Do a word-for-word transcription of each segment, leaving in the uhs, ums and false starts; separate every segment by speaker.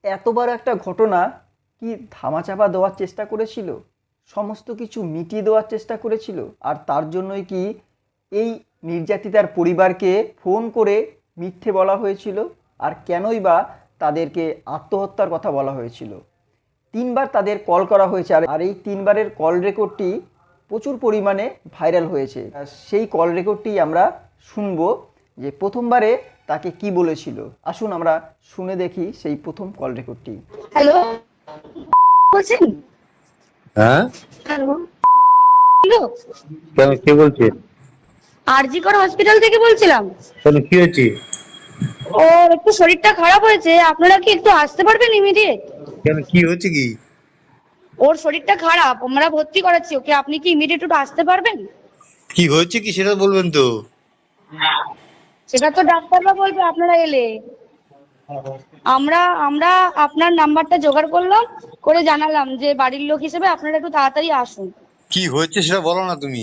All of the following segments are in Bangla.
Speaker 1: এত বড় একটা ঘটনা কি ধামাচাপা দেওয়ার চেষ্টা করেছিল, সমস্ত কিছু মিটিয়ে দেওয়ার চেষ্টা করেছিল, আর তার জন্যই কি এই নির্যাতিতার পরিবারকে ফোন করে মিথ্যে বলা হয়েছিল? আর কেনই বা তাদেরকে আত্মহত্যার কথা বলা হয়েছিল? তিনবার তাদের কল করা হয়েছে, আর আর এই তিনবারের কল রেকর্ডটি প্রচুর পরিমাণে ভাইরাল হয়েছে। আর সেই কল রেকর্ডটি আমরা শুনবো যে প্রথমবারে তাকে কি বলেছিল। আসুন আমরা শুনে দেখি সেই প্রথম কল রেকর্ডটি।
Speaker 2: হ্যালো, বলছেন?
Speaker 3: হ্যাঁ,
Speaker 2: হ্যালো, হ্যালো,
Speaker 3: কেন কে বলছে?
Speaker 2: আরজি কর হসপিটাল থেকে বলছিলাম।
Speaker 3: কেন কি হয়েছে?
Speaker 2: ওর একটু শরীরটা খারাপ হয়েছে, আপনারা কি একটু আসতে পারবেন ইমিডিয়েট?
Speaker 3: কেন কি হয়েছে কি?
Speaker 2: ওর শরীরটা খারাপ, আমরা ভর্তি করাচ্ছি ওকে, আপনি কি ইমিডিয়েট একটু আসতে পারবেন?
Speaker 3: কি হয়েছে কি সেটা বলবেন তো?
Speaker 2: সেটা তো ডাক্তাররা বলবে আপনারা এলে। আমরা আমরা আপনার নাম্বারটা জোগাড় করলাম, করে জানালাম যে বাড়ির লোক হিসেবে আপনারা একটু তাড়াতাড়ি আসুন।
Speaker 3: কি হয়েছে সেটা বলো না তুমি।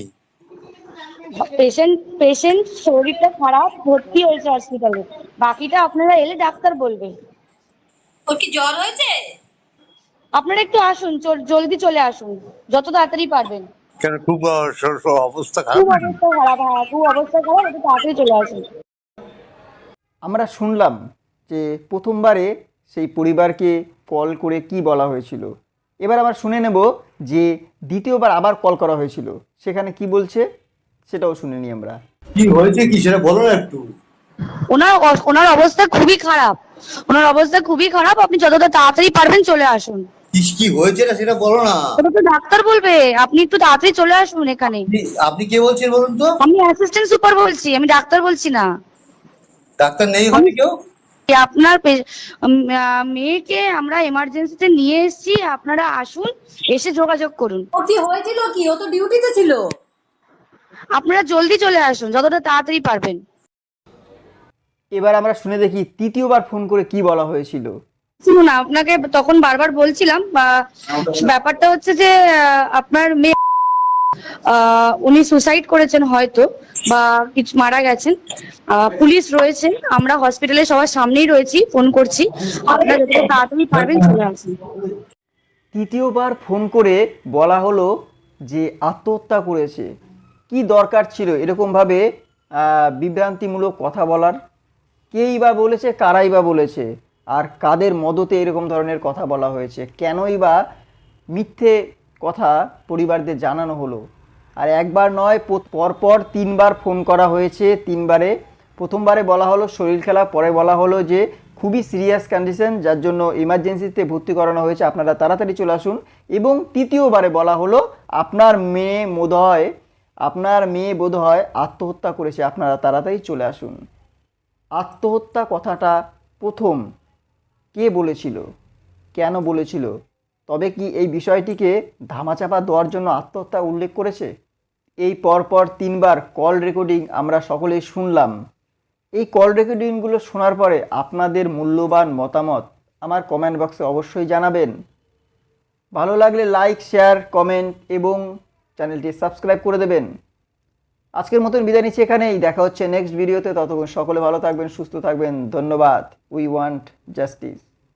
Speaker 2: পেশেন্ট পেশেন্ট শরীরটা খারাপ, ভর্তি হয়েছে হসপিটালে, বাকিটা আপনারা এলে ডাক্তার বলবে।
Speaker 4: ওর কি জ্বর হয়েছে?
Speaker 2: আপনারা একটু আসুন, চল- জলদি চলে আসুন, যত তাড়াতাড়ি পারবেন।
Speaker 3: কেন খুব আহ, স- স- অবস্থা খারাপ
Speaker 2: খুব
Speaker 3: নাকি?
Speaker 2: অবস্থা খারাপ, হ্যাঁ খুব অবস্থা খারাপ, একটু তাড়াতাড়ি চলে আসুন।
Speaker 1: আমরা শুনলাম যে প্রথমবারে সেই পরিবারকে কল করে কি বলা হয়েছিল। এবার আবার শুনে নেব যে দ্বিতীয়বার আবার কল করা হয়েছিল, সেখানে কি বলছে সেটাও শুনে নিই আমরা।
Speaker 3: কি হয়েছে কি সেটা বলো না একটু।
Speaker 2: ওনার অ- ওনার অবস্থা খুবই খারাপ, ওনার অবস্থা খুবই খারাপ, আপনি যতটা তাড়াতাড়ি পারবেন চলে আসুন।
Speaker 3: কি কি হয়েছে না সেটা বলো না।
Speaker 2: ওটা তো ডাক্তার বলবে, আপনি একটু তাড়াতাড়ি চলে আসুন এখানে।
Speaker 3: আপনি- আপনি কে বলছেন বলুন তো?
Speaker 2: আমি অ্যাসিস্ট্যান্ট সুপার বলছি, আমি ডাক্তার বলছি না।
Speaker 3: ডাক্তার নেই হবে কেউ?
Speaker 2: আপনার পে- উম, আহ, মেয়েকে আমরা এমার্জেন্সিতে নিয়ে এসেছি, আপনারা আসুন, এসে যোগাযোগ করুন।
Speaker 4: ও কি হয়েছিল কি? ও তো ডিউটিতে ছিল।
Speaker 2: আপনারা জলদি চলে আসুন, যতটা তাড়াতাড়ি পারবেন।
Speaker 1: এবার আমরা শুনে দেখি তৃতীয়বার ফোন করে কি বলা হয়েছিল।
Speaker 2: শুনুন, আপনাকে তখন বারবার বলছিলাম, বা ব্যাপারটা হচ্ছে যে আহ, আপনার মেয়ে আহ, উনি সুসাইড করেছেন হয়তো, বা কিছু মারা গেছেন। আহ, পুলিশ রয়েছে, আমরা হসপিটালে সবার সামনেই রয়েছি, ফোন করছি, আপনারা যতটা তাড়াতাড়ি পারবেন চলে আসুন।
Speaker 1: তৃতীয়বার ফোন করে বলা হলো যে আত্মহত্যা করেছে। কি দরকার ছিল এরকমভাবে আহ, বিভ্রান্তিমূলক কথা বলার? কেই বা বলেছে, কারাই বা বলেছে, আর কাদের মদতে এরকম ধরনের কথা বলা হয়েছে? কেনই বা মিথ্যে কথা পরিবারদের জানানো হলো? আর একবার নয়, পো- পরপর তিনবার ফোন করা হয়েছে। তিনবারে প্রথমবারে বলা হলো শরীর খারাপ, পরে বলা হলো যে খুবই সিরিয়াস কন্ডিশন, যার জন্য ইমার্জেন্সিতে ভর্তি করানো হয়েছে, আপনারা তাড়াতাড়ি চলে আসুন। এবং তৃতীয়বারে বলা হলো আপনার মেয়ে বোধহয় আপনার মেয়ে বোধহয় আত্মহত্যা করেছে, আপনারা তাড়াতাড়ি চলে আসুন। আত্মহত্যা কথাটা প্রথম কে বলেছিল, কেন বলেছিল? তবে কি এই বিষয়টিকে ধামাচাপা দেওয়ার জন্য আত্মহত্যা উল্লেখ করেছে? এই পরপর তিনবার কল রেকর্ডিং আমরা সকলেই শুনলাম। এই কল রেকর্ডিংগুলো শোনার পরে আপনাদের মূল্যবান মতামত আমার কমেন্ট বক্সে অবশ্যই জানাবেন। ভালো লাগলে লাইক, শেয়ার, কমেন্ট এবং চ্যানেলটি সাবস্ক্রাইব করে দেবেন। আজকের মতন বিদায় নিচ্ছি এখানেই, দেখা হচ্ছে নেক্সট ভিডিওতে। ততক্ষণ সকলে ভালো থাকবেন, সুস্থ থাকবেন। ধন্যবাদ। We want justice.